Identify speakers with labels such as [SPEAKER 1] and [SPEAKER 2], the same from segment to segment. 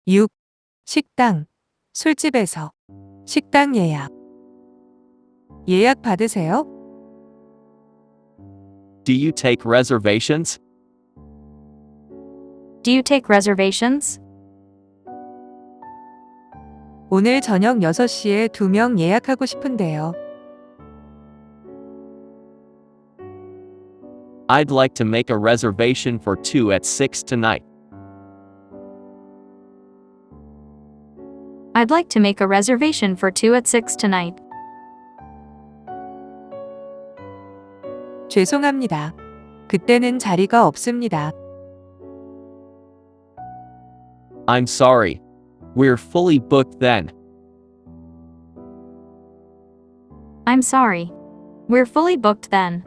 [SPEAKER 1] 6. 식당, 술집에서. 식당 예약. 예약 받으세요?
[SPEAKER 2] Do you take reservations?
[SPEAKER 3] Do you take reservations?
[SPEAKER 1] 오늘 저녁 6시에 2명 예약하고 싶은데요.
[SPEAKER 2] I'd like to make a reservation for 2 at 6 tonight.
[SPEAKER 3] I'd like to make a reservation for 2 at 6 tonight.
[SPEAKER 1] 죄송합니다. 그때는 자리가 없습니다.
[SPEAKER 2] I'm sorry. We're fully booked then.
[SPEAKER 3] I'm sorry. We're fully booked then.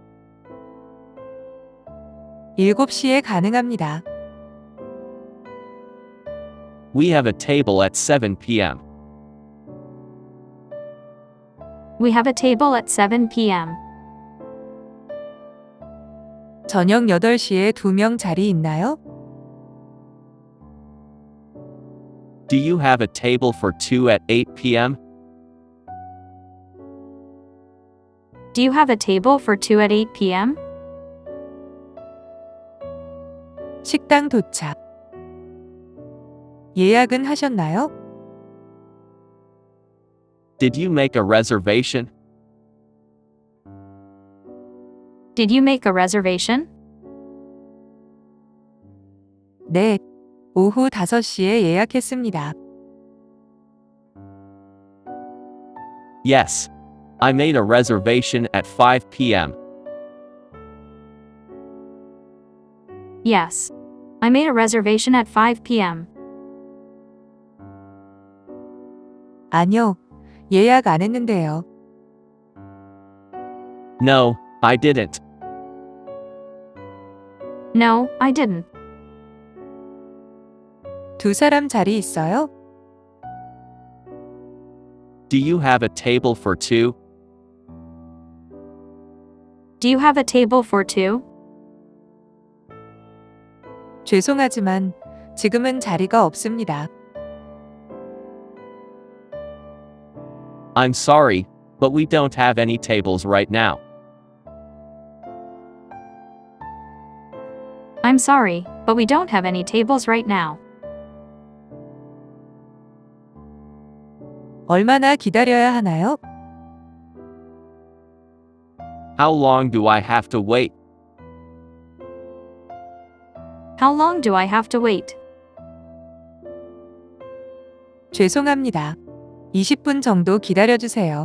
[SPEAKER 1] 7시에 가능합니다.
[SPEAKER 2] We have a table at 7 p.m.
[SPEAKER 3] We have a table at 7 p.m.
[SPEAKER 1] 저녁 8시에 2명 자리 있나요?
[SPEAKER 2] Do you have a table for 2 at 8 p.m.?
[SPEAKER 3] Do you have a table for 2 at 8 p.m.?
[SPEAKER 1] 식당 도착. 예약은 하셨나요?
[SPEAKER 2] Did you make a reservation?
[SPEAKER 3] Did you make a reservation?
[SPEAKER 1] 네. 오후 5시에 예약했습니다.
[SPEAKER 2] Yes. I made a reservation at 5 p.m.
[SPEAKER 3] Yes. I made a reservation at 5 p.m.
[SPEAKER 1] 아니요. 예약 안 했는데요.
[SPEAKER 2] No, I didn't.
[SPEAKER 3] No, I didn't.
[SPEAKER 1] 2사람 자리 있어요?
[SPEAKER 2] Do you have a table for 2?
[SPEAKER 3] Do you have a table for 2?
[SPEAKER 1] 죄송하지만 지금은 자리가 없습니다.
[SPEAKER 2] I'm sorry, but we don't have any tables right now.
[SPEAKER 3] I'm sorry, but we don't have any tables right now.
[SPEAKER 1] 얼마나 기다려야 하나요?
[SPEAKER 2] How long do I have to wait?
[SPEAKER 3] How long do I have to wait?
[SPEAKER 1] 죄송합니다. 20분 정도 기다려주세요.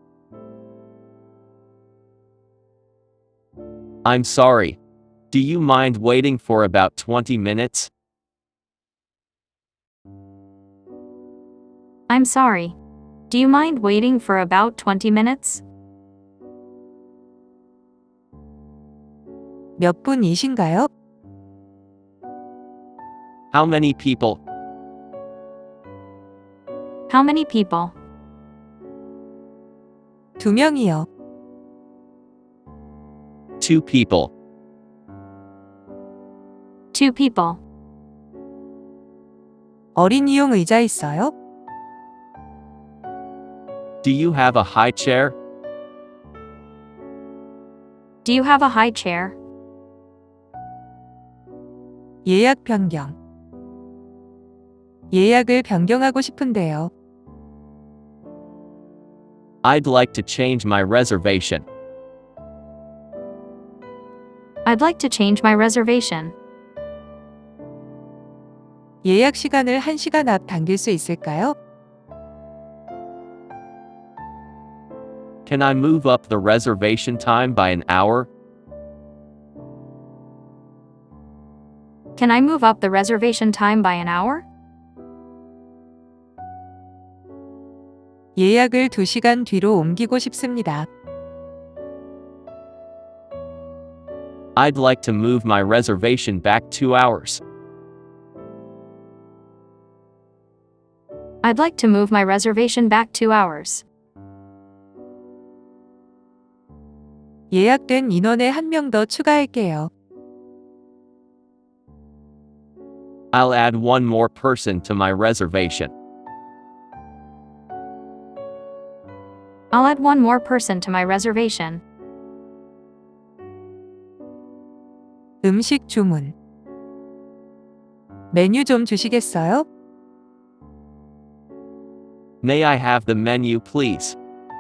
[SPEAKER 2] I'm sorry. Do you mind waiting for about 20 minutes?
[SPEAKER 3] I'm sorry. Do you mind waiting for about 20 minutes?
[SPEAKER 1] 몇 분이신가요?
[SPEAKER 2] How many people?
[SPEAKER 3] How many people?
[SPEAKER 1] 2명이요.
[SPEAKER 2] 2 people.
[SPEAKER 3] 2 people.
[SPEAKER 1] 어린이용 의자 있어요?
[SPEAKER 2] Do you have a high chair?
[SPEAKER 3] Do you have a high chair?
[SPEAKER 1] 예약 변경. 예약을 변경하고 싶은데요.
[SPEAKER 2] I'd like to change my reservation.
[SPEAKER 3] I'd like to change my reservation.
[SPEAKER 1] 예약 시간을 1시간 앞 당길 수 있을까요?
[SPEAKER 2] Can I move up the reservation time by an hour?
[SPEAKER 3] Can I move up the reservation time by an hour?
[SPEAKER 1] 예약을 2시간 뒤로 옮기고 싶습니다.
[SPEAKER 2] I'd like to move my reservation back 2 hours.
[SPEAKER 3] I'd like to move my reservation back 2 hours.
[SPEAKER 1] 예약된 인원에 1명 더 추가할게요.
[SPEAKER 2] I'll add one more person to my reservation.
[SPEAKER 3] I'll add one more person to my reservation.
[SPEAKER 1] 음식 주문. 메뉴 좀 주시겠어요?
[SPEAKER 2] May I have the menu, please?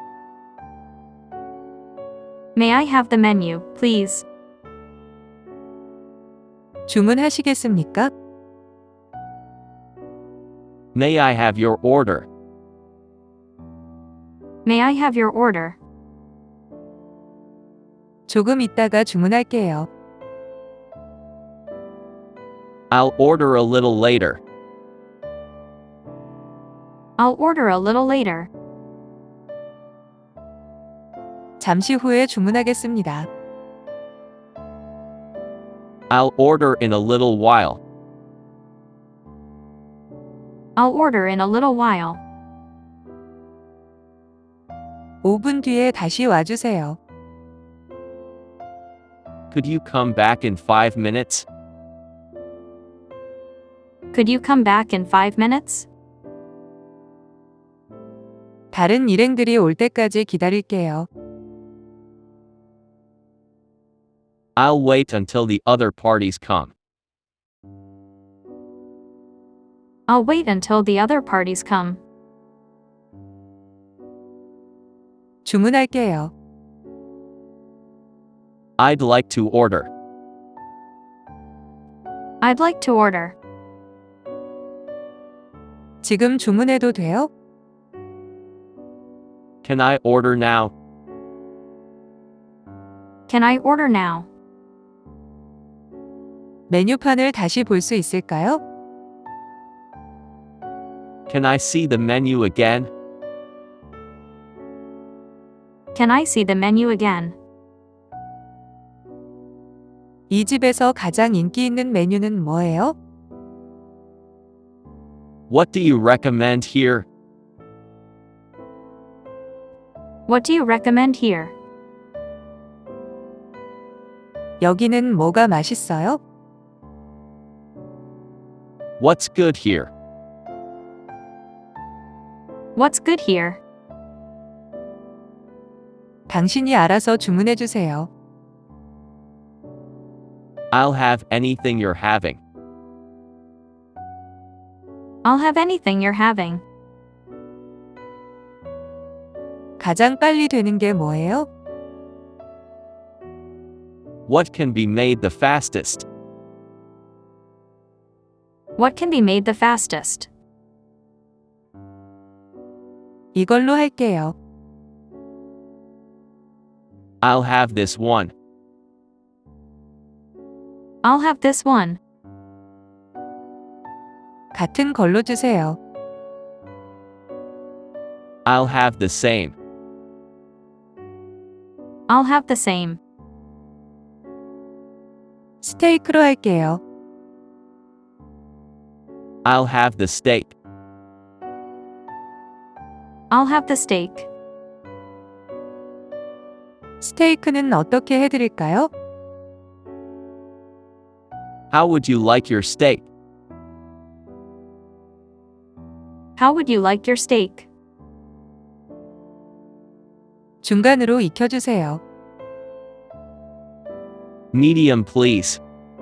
[SPEAKER 3] May I have the menu, please?
[SPEAKER 1] 주문하시겠습니까?
[SPEAKER 2] May I have your order?
[SPEAKER 3] May I have your order?
[SPEAKER 1] 조금 있다가 주문할게요.
[SPEAKER 2] I'll order a little later.
[SPEAKER 3] I'll order a little later.
[SPEAKER 1] 잠시 후에 주문하겠습니다.
[SPEAKER 2] I'll order in a little while.
[SPEAKER 3] I'll order in a little while.
[SPEAKER 1] 5분 뒤에 다시 와주세요.
[SPEAKER 2] Could you come back in 5 minutes?
[SPEAKER 3] Could you come back in 5 minutes?
[SPEAKER 1] 다른 일행들이 올 때까지 기다릴게요.
[SPEAKER 2] I'll wait until the other parties come.
[SPEAKER 3] I'll wait until the other parties come.
[SPEAKER 1] 주문할게요.
[SPEAKER 2] I'd like to order.
[SPEAKER 3] I'd like to order.
[SPEAKER 1] 지금 주문해도 돼요?
[SPEAKER 2] Can I order now?
[SPEAKER 3] Can I order now?
[SPEAKER 1] 메뉴판을 다시 볼 수 있을까요?
[SPEAKER 2] Can I see the menu again?
[SPEAKER 3] Can I see the menu again?
[SPEAKER 1] 이 집에서 가장 인기 있는 메뉴는 뭐예요?
[SPEAKER 2] What do you recommend here?
[SPEAKER 3] What do you recommend here?
[SPEAKER 1] 여기는 뭐가 맛있어요?
[SPEAKER 2] What's good here?
[SPEAKER 3] What's good here?
[SPEAKER 1] 당신이 알아서 주문해 주세요.
[SPEAKER 2] I'll have anything you're having.
[SPEAKER 3] I'll have anything you're having.
[SPEAKER 1] 가장 빨리 되는 게 뭐예요?
[SPEAKER 2] What can be made the fastest?
[SPEAKER 3] What can be made the fastest?
[SPEAKER 1] 이걸로 할게요.
[SPEAKER 2] I'll have this one.
[SPEAKER 3] I'll have this one.
[SPEAKER 1] 같은 걸로 주세요.
[SPEAKER 2] I'll have the same.
[SPEAKER 3] I'll have the same.
[SPEAKER 1] 스테이크로 할게요.
[SPEAKER 2] I'll have the steak.
[SPEAKER 3] I'll have the steak.
[SPEAKER 1] 스테이크는 어떻게 해드릴까요?
[SPEAKER 2] How would you like your steak?
[SPEAKER 3] How would you like your steak?
[SPEAKER 1] 중간으로 익혀주세요.
[SPEAKER 2] Medium, please.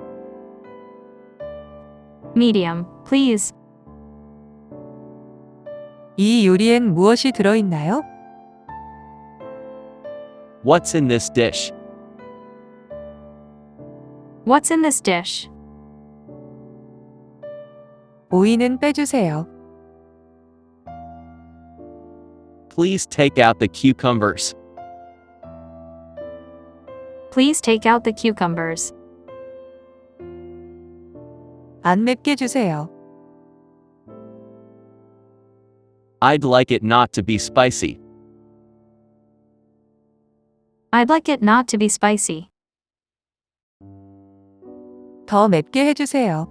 [SPEAKER 3] Medium, please.
[SPEAKER 1] 이 요리엔 무엇이 들어있나요?
[SPEAKER 2] What's in this dish?
[SPEAKER 3] What's in this dish?
[SPEAKER 1] 오이는 빼주세요.
[SPEAKER 2] Please take out the cucumbers.
[SPEAKER 3] Please take out the cucumbers.
[SPEAKER 1] 안 맵게 주세요.
[SPEAKER 2] I'd like it not to be spicy.
[SPEAKER 3] I'd like it not to be spicy.
[SPEAKER 1] 더 맵게 해주세요.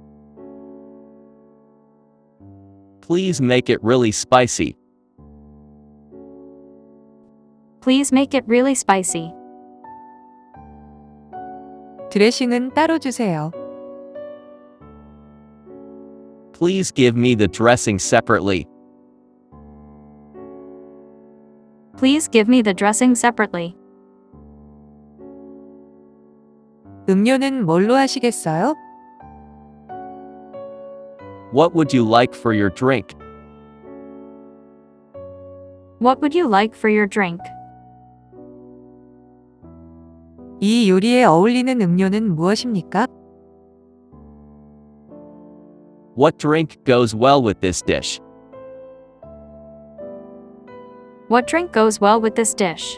[SPEAKER 2] Please make it really spicy.
[SPEAKER 3] Please make it really spicy.
[SPEAKER 1] 드레싱은 따로 주세요.
[SPEAKER 2] Please give me the dressing separately.
[SPEAKER 3] Please give me the dressing separately.
[SPEAKER 1] 음료는 뭘로 하시겠어요?
[SPEAKER 2] What would you like for your drink?
[SPEAKER 3] What would you like for your drink?
[SPEAKER 1] 이 요리에 어울리는 음료는 무엇입니까?
[SPEAKER 2] What drink goes well with this dish?
[SPEAKER 3] What drink goes well with this dish?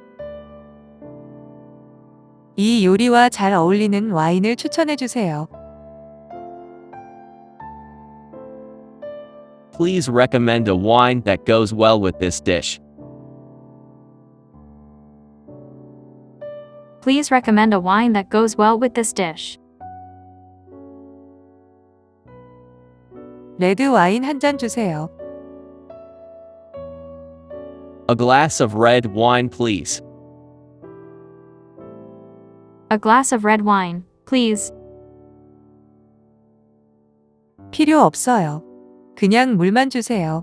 [SPEAKER 1] 이 요리와 잘 어울리는 와인을 추천해 주세요.
[SPEAKER 2] Please recommend a wine that goes well with this dish.
[SPEAKER 3] Please recommend a wine that goes well with this dish.
[SPEAKER 1] 레드 와인 한 잔 주세요.
[SPEAKER 2] A glass of red wine, please.
[SPEAKER 3] A glass of red wine, please.
[SPEAKER 1] 필요 없어요. 그냥 물만 주세요.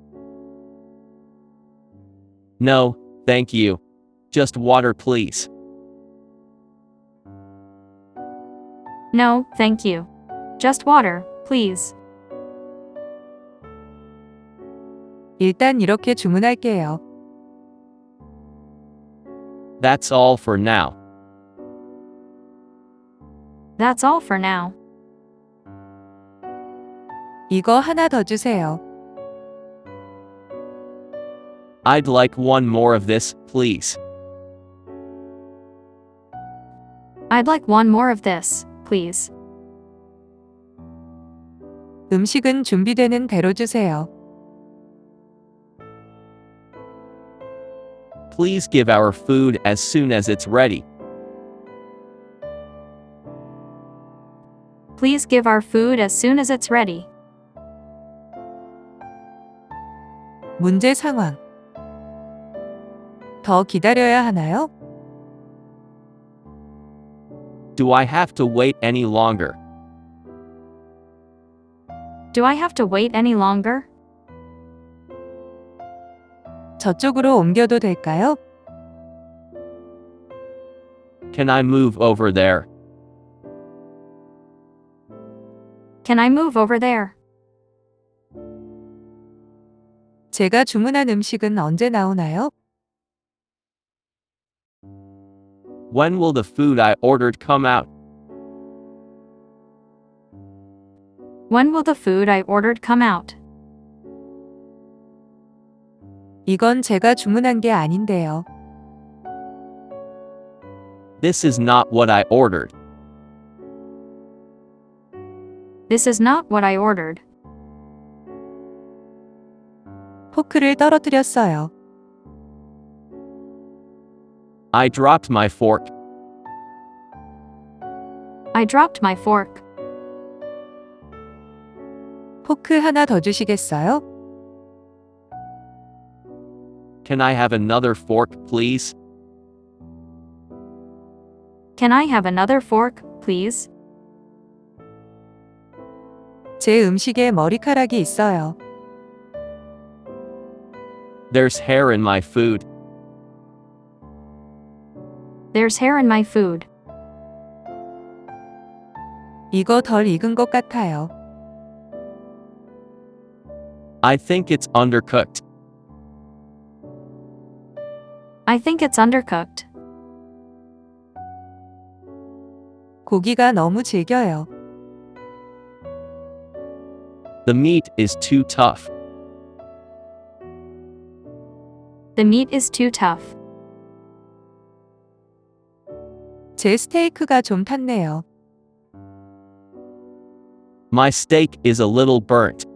[SPEAKER 2] No, thank you. Just water, please.
[SPEAKER 3] No, thank you. Just water, please.
[SPEAKER 1] 일단 이렇게 주문할게요.
[SPEAKER 2] That's all for now.
[SPEAKER 3] That's all for now.
[SPEAKER 1] 이거 하나 더 주세요.
[SPEAKER 2] I'd like one more of this, please.
[SPEAKER 3] I'd like one more of this, please.
[SPEAKER 1] 음식은 준비되는 대로 주세요.
[SPEAKER 2] Please give our food as soon as it's ready.
[SPEAKER 3] Please give our food as soon as it's ready.
[SPEAKER 1] 문제 상황. 더 기다려야 하나요?
[SPEAKER 2] Do I have to wait any longer?
[SPEAKER 3] Do I have to wait any longer?
[SPEAKER 1] 저쪽으로 옮겨도 될까요?
[SPEAKER 2] Can I move over there?
[SPEAKER 3] Can I move over there?
[SPEAKER 1] 제가 주문한 음식은 언제 나오나요?
[SPEAKER 2] When will the food I ordered come out?
[SPEAKER 3] When will the food I ordered come out?
[SPEAKER 1] 이건 제가 주문한 게 아닌데요.
[SPEAKER 2] This is not what I ordered.
[SPEAKER 3] This is not what I ordered.
[SPEAKER 1] 포크를 떨어뜨렸어요.
[SPEAKER 2] I dropped my fork.
[SPEAKER 3] I dropped my fork.
[SPEAKER 1] 포크 하나 더 주시겠어요?
[SPEAKER 2] Can I have another fork, please?
[SPEAKER 3] Can I have another fork, please?
[SPEAKER 1] 제 음식에 머리카락이 있어요.
[SPEAKER 2] There's hair in my food.
[SPEAKER 3] There's hair in my food.
[SPEAKER 1] 이거 덜 익은 것 같아요.
[SPEAKER 2] I think it's undercooked.
[SPEAKER 3] I think it's undercooked.
[SPEAKER 1] 고기가 너무 질겨요.
[SPEAKER 2] The meat is too tough.
[SPEAKER 3] The meat is too tough.
[SPEAKER 1] 제 스테이크가 좀 탔네요.
[SPEAKER 2] My steak is a little burnt.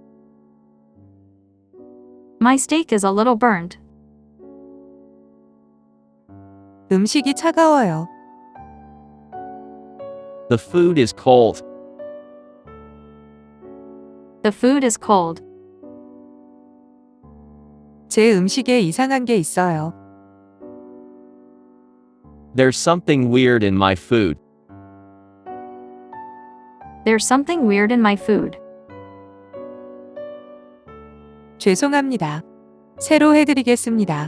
[SPEAKER 3] My steak is a little burned.
[SPEAKER 1] 음식이 차가워요.
[SPEAKER 2] The food is cold.
[SPEAKER 3] The food is cold.
[SPEAKER 1] 제 음식에 이상한 게 있어요.
[SPEAKER 2] There's something weird in my food.
[SPEAKER 3] There's something weird in my food.
[SPEAKER 1] 죄송합니다. 새로 해드리겠습니다.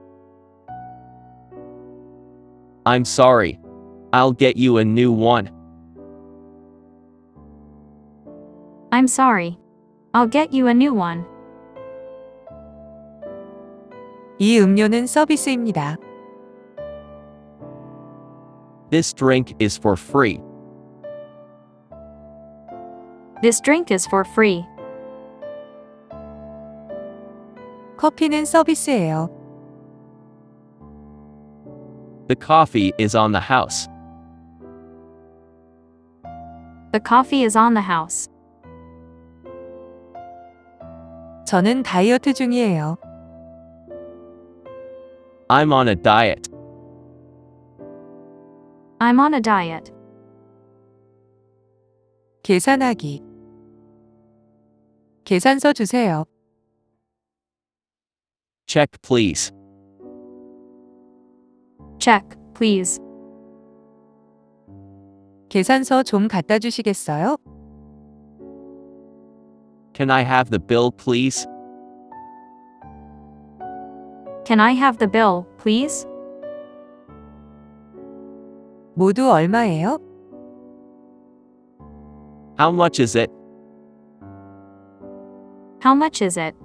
[SPEAKER 2] I'm sorry. I'll get you a new one.
[SPEAKER 3] I'm sorry. I'll get you a new one.
[SPEAKER 1] 이 음료는 서비스입니다.
[SPEAKER 2] This drink is for free.
[SPEAKER 3] This drink is for free.
[SPEAKER 1] 커피는 서비스예요.
[SPEAKER 2] The coffee is on the house.
[SPEAKER 3] The coffee is on the house.
[SPEAKER 1] 저는 다이어트 중이에요.
[SPEAKER 2] I'm on a diet.
[SPEAKER 3] I'm on a diet.
[SPEAKER 1] 계산하기. 계산서 주세요.
[SPEAKER 2] Check, please.
[SPEAKER 3] Check, please.
[SPEAKER 1] 계산서 좀 갖다 주시겠어요?
[SPEAKER 2] Can I have the bill, please?
[SPEAKER 3] Can I have the bill, please?
[SPEAKER 1] 모두 얼마예요?
[SPEAKER 2] How much is it?
[SPEAKER 3] How much is it?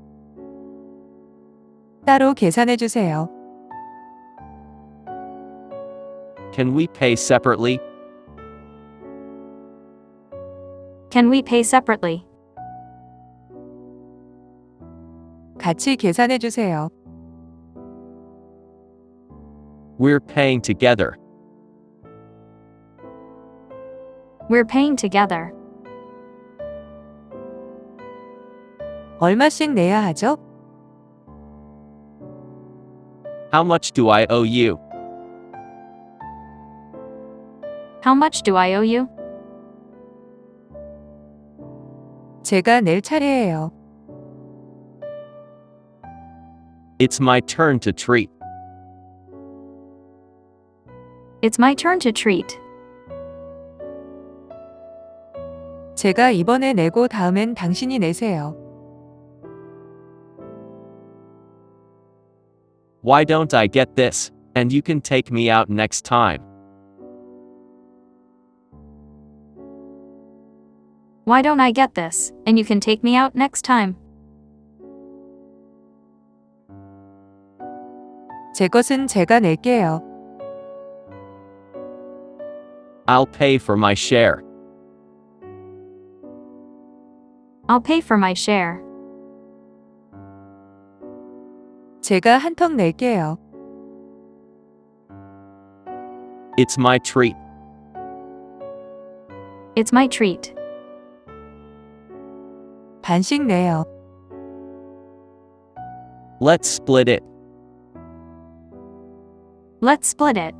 [SPEAKER 1] 따로 계산해 주세요.
[SPEAKER 2] Can we pay separately?
[SPEAKER 3] Can we pay separately?
[SPEAKER 1] 같이 계산해 주세요.
[SPEAKER 2] We're paying together.
[SPEAKER 3] We're paying together.
[SPEAKER 1] 얼마씩 내야 하죠?
[SPEAKER 2] How much do I owe you?
[SPEAKER 3] How much do I owe you?
[SPEAKER 1] 제가 낼 차례예요.
[SPEAKER 2] It's my turn to treat.
[SPEAKER 3] It's my turn to treat.
[SPEAKER 1] 제가 이번에 내고 다음엔 당신이 내세요.
[SPEAKER 2] Why don't I get this, and you can take me out next time?
[SPEAKER 3] Why don't I get this, and you can take me out next time?
[SPEAKER 1] 제 것은 제가 낼게요.
[SPEAKER 2] I'll pay for my share.
[SPEAKER 3] I'll pay for my share.
[SPEAKER 1] 제가 한턱 낼게요.
[SPEAKER 2] It's my treat.
[SPEAKER 3] It's my treat.
[SPEAKER 1] 반씩 내요.
[SPEAKER 2] Let's split it.
[SPEAKER 3] Let's split it.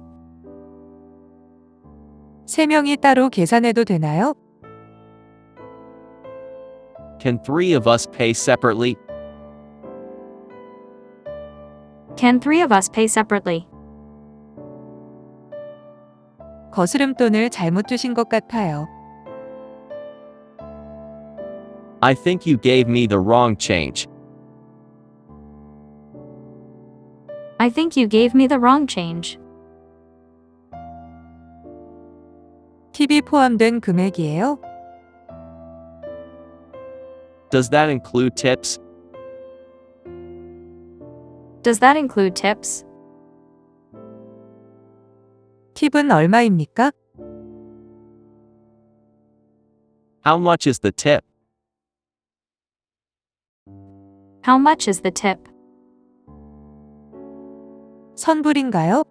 [SPEAKER 1] 세 명이 따로 계산해도 되나요?
[SPEAKER 2] Can three of us pay separately?
[SPEAKER 3] Can three of us pay separately?
[SPEAKER 1] 거스름돈을 잘못 주신 것 같아요.
[SPEAKER 2] I think you gave me the wrong change.
[SPEAKER 3] I think you gave me the wrong change.
[SPEAKER 1] 팁이 포함된 금액이에요?
[SPEAKER 2] Does that include tips?
[SPEAKER 3] Does that include tips?
[SPEAKER 1] 팁은 얼마입니까?
[SPEAKER 2] How much is the tip?
[SPEAKER 3] How much is the tip?
[SPEAKER 1] 선불인가요?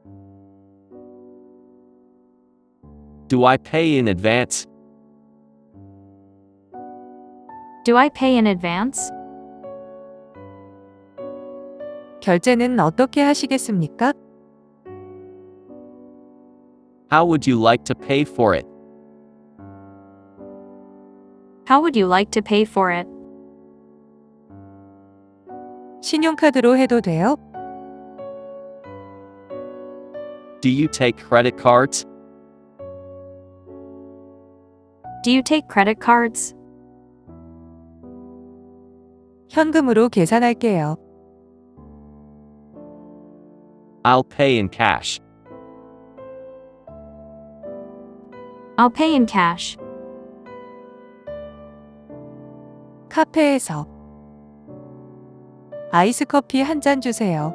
[SPEAKER 2] Do I pay in advance?
[SPEAKER 3] Do I pay in advance?
[SPEAKER 1] 결제는 어떻게 하시겠습니까?
[SPEAKER 2] How would you like to pay for it?
[SPEAKER 3] How would you like to pay for it?
[SPEAKER 1] 신용카드로 해도 돼요?
[SPEAKER 2] Do you take credit cards?
[SPEAKER 3] Do you take credit cards?
[SPEAKER 1] 현금으로 계산할게요.
[SPEAKER 2] I'll pay in cash.
[SPEAKER 3] I'll pay in cash.
[SPEAKER 1] 카페에서 아이스 커피 한 잔 주세요.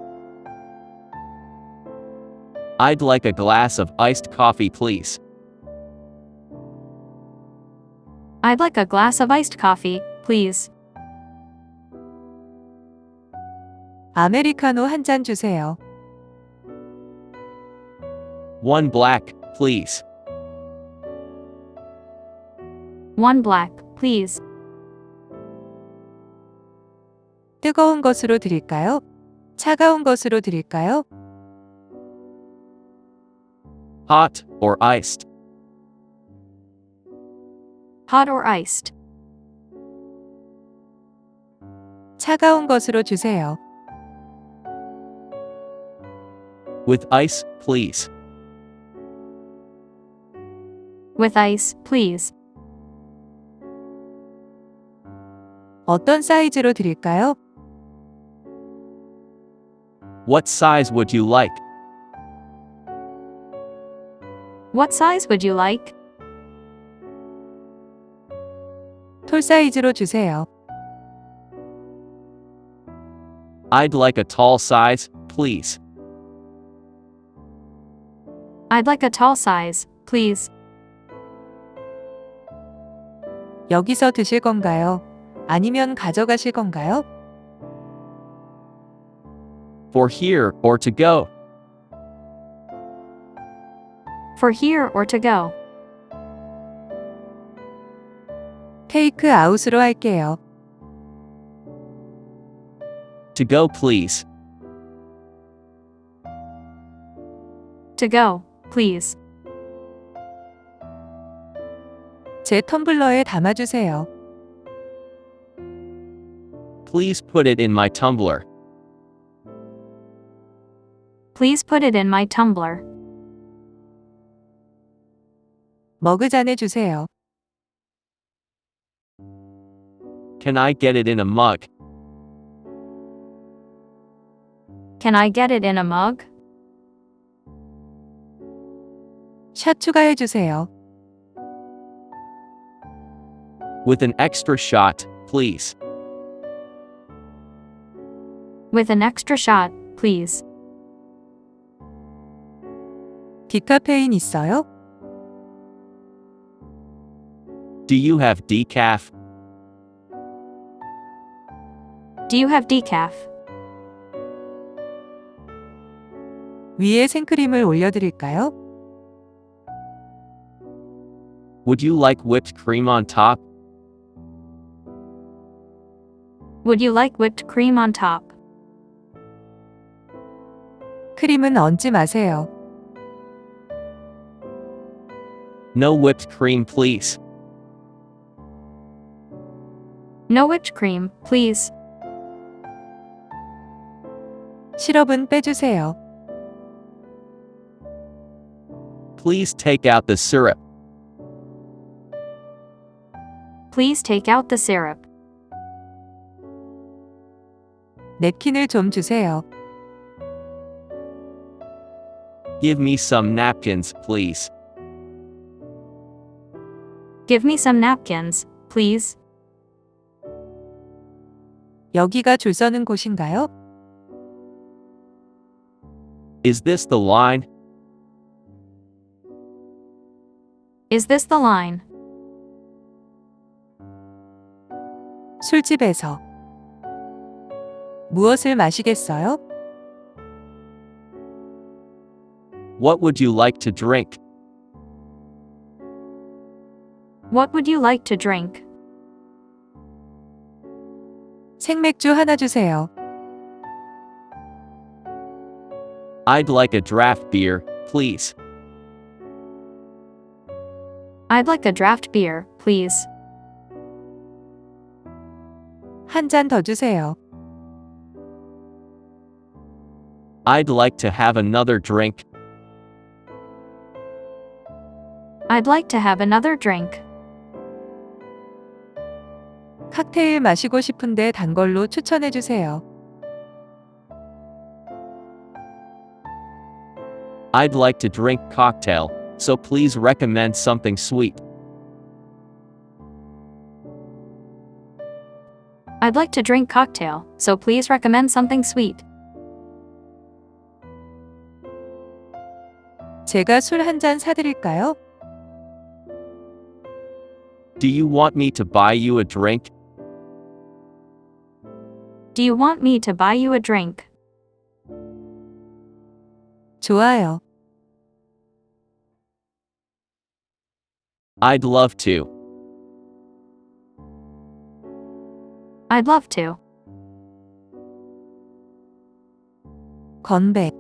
[SPEAKER 2] I'd like a glass of iced coffee, please.
[SPEAKER 3] I'd like a glass of iced coffee, please.
[SPEAKER 1] 아메리카노 한 잔 주세요.
[SPEAKER 2] One black, please.
[SPEAKER 3] One black, please.
[SPEAKER 1] 뜨거운 것으로 드릴까요? 차가운 것으로 드릴까요?
[SPEAKER 2] Hot or iced?
[SPEAKER 3] Hot or iced?
[SPEAKER 1] 차가운 것으로 주세요.
[SPEAKER 2] With ice, please.
[SPEAKER 3] With ice, please.
[SPEAKER 1] 어떤 사이즈로 드릴까요?
[SPEAKER 2] What size would you like?
[SPEAKER 3] What size would you like?
[SPEAKER 1] 톨 사이즈로 주세요.
[SPEAKER 2] I'd like a tall size, please.
[SPEAKER 3] I'd like a tall size, please.
[SPEAKER 1] 여기서 드실 건가요? 아니면 가져가실 건가요?
[SPEAKER 2] For here or to go?
[SPEAKER 3] For here or to go?
[SPEAKER 1] 테이크 아웃으로 할게요.
[SPEAKER 2] To go, please.
[SPEAKER 3] To go, please.
[SPEAKER 1] 제 텀블러에 담아주세요.
[SPEAKER 2] Please put it in my tumbler.
[SPEAKER 3] Please put it in my tumbler.
[SPEAKER 1] 머그잔에 주세요.
[SPEAKER 2] Can I get it in a mug?
[SPEAKER 3] Can I get it in a mug?
[SPEAKER 1] 샷 추가해 주세요.
[SPEAKER 2] With an extra shot, please.
[SPEAKER 3] With an extra shot, please.
[SPEAKER 1] 디카페인 있어요?
[SPEAKER 2] Do you have decaf?
[SPEAKER 3] Do you have decaf?
[SPEAKER 1] 위에 생크림을 올려드릴까요?
[SPEAKER 2] Would you like whipped cream on top?
[SPEAKER 3] Would you like whipped cream on top?
[SPEAKER 1] 크림은 얹지 마세요.
[SPEAKER 2] No whipped cream, please.
[SPEAKER 3] No whipped cream, please.
[SPEAKER 1] 시럽은 빼주세요.
[SPEAKER 2] Please take out the syrup.
[SPEAKER 3] Please take out the syrup.
[SPEAKER 1] 냅킨을 좀 주세요.
[SPEAKER 2] Give me some napkins, please.
[SPEAKER 3] Give me some napkins, please.
[SPEAKER 1] 여기가 줄 서는 곳인가요?
[SPEAKER 2] Is this the line?
[SPEAKER 3] Is this the line?
[SPEAKER 1] 술집에서 무엇을 마시겠어요?
[SPEAKER 2] What would you like to drink?
[SPEAKER 3] What would you like to drink?
[SPEAKER 1] 생맥주 하나 주세요.
[SPEAKER 2] I'd like a draft beer, please.
[SPEAKER 3] I'd like a draft beer, please.
[SPEAKER 1] 한 잔 더 주세요.
[SPEAKER 2] I'd like to have another drink.
[SPEAKER 3] I'd like to have another drink.
[SPEAKER 1] 칵테일 마시고 싶은데 단 걸로 추천해 주세요.
[SPEAKER 2] I'd like to drink cocktail, so please recommend something sweet.
[SPEAKER 3] I'd like to drink cocktail, so please recommend something sweet.
[SPEAKER 1] 제가 술 한 잔 사드릴까요?
[SPEAKER 2] Do you want me to buy you a drink?
[SPEAKER 3] Do you want me to buy you a drink?
[SPEAKER 1] 좋아요.
[SPEAKER 2] I'd love to.
[SPEAKER 3] I'd love to.
[SPEAKER 1] 건배.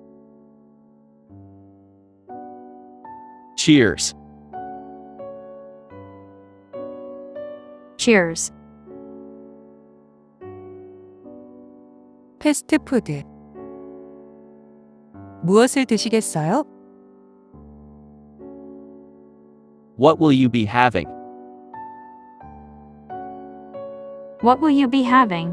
[SPEAKER 2] Cheers.
[SPEAKER 3] Cheers.
[SPEAKER 1] 패스트푸드. 무엇을 드시겠어요?
[SPEAKER 2] What will you be having?
[SPEAKER 3] What will you be having?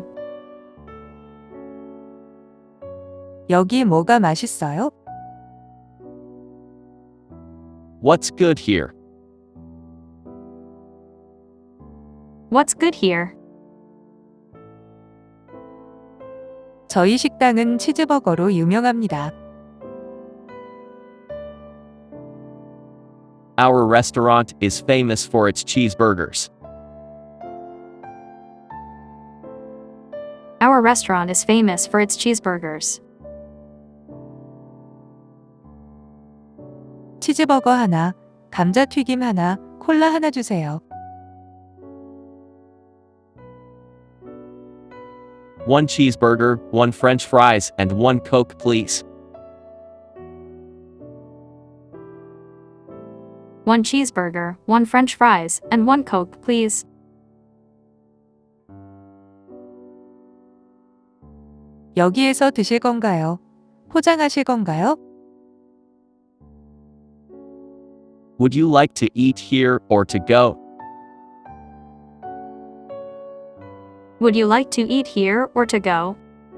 [SPEAKER 1] 여기 뭐가 맛있어요?
[SPEAKER 2] What's good here?
[SPEAKER 3] What's good here?
[SPEAKER 1] 저희 식당은 치즈버거로 유명합니다.
[SPEAKER 2] Our restaurant is famous for its cheeseburgers.
[SPEAKER 3] Our restaurant is famous for its cheeseburgers.
[SPEAKER 1] 치즈버거 하나, 감자튀김 하나, 콜라 하나 주세요.
[SPEAKER 2] One cheeseburger, one French fries, and one Coke, please.
[SPEAKER 3] One cheeseburger, one French fries, and one Coke, please.
[SPEAKER 1] 여기에서 드실 건가요? 포장하실 건가요?
[SPEAKER 2] Would you like to eat here or to go?
[SPEAKER 3] Would you like to eat here or to go?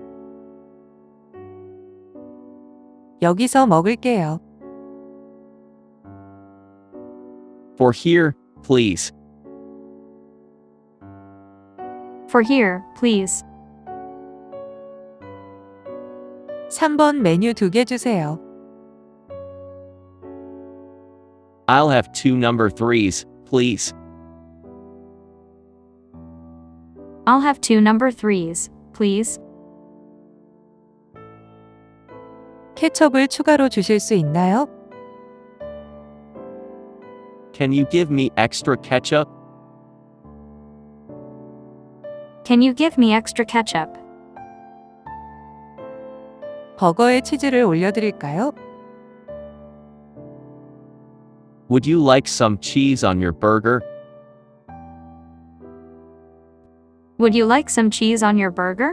[SPEAKER 1] 여기서 먹을게요.
[SPEAKER 2] For here, please.
[SPEAKER 3] For here, please.
[SPEAKER 1] 3번 메뉴 2개 주세요.
[SPEAKER 2] I'll have 2 number 3s, please.
[SPEAKER 3] I'll have 2 number 3s, please.
[SPEAKER 1] 케첩을 추가로 주실 수 있나요?
[SPEAKER 2] Can you give me extra ketchup?
[SPEAKER 3] Can you give me extra ketchup?
[SPEAKER 1] 버거에 치즈를 올려드릴까요?
[SPEAKER 2] Would you like some cheese on your burger?
[SPEAKER 3] Would you like some cheese on your burger?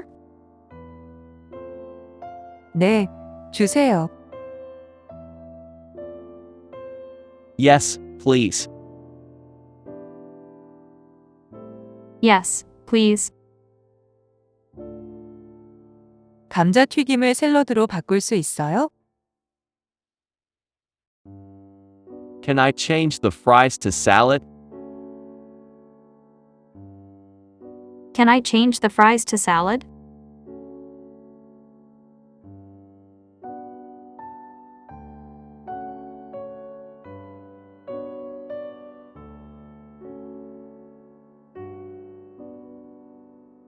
[SPEAKER 1] 네, 주세요.
[SPEAKER 2] Yes, please.
[SPEAKER 3] Yes, please.
[SPEAKER 1] 감자튀김을 샐러드로 바꿀 수 있어요?
[SPEAKER 2] Can I change the fries to salad?
[SPEAKER 3] Can I change the fries to salad?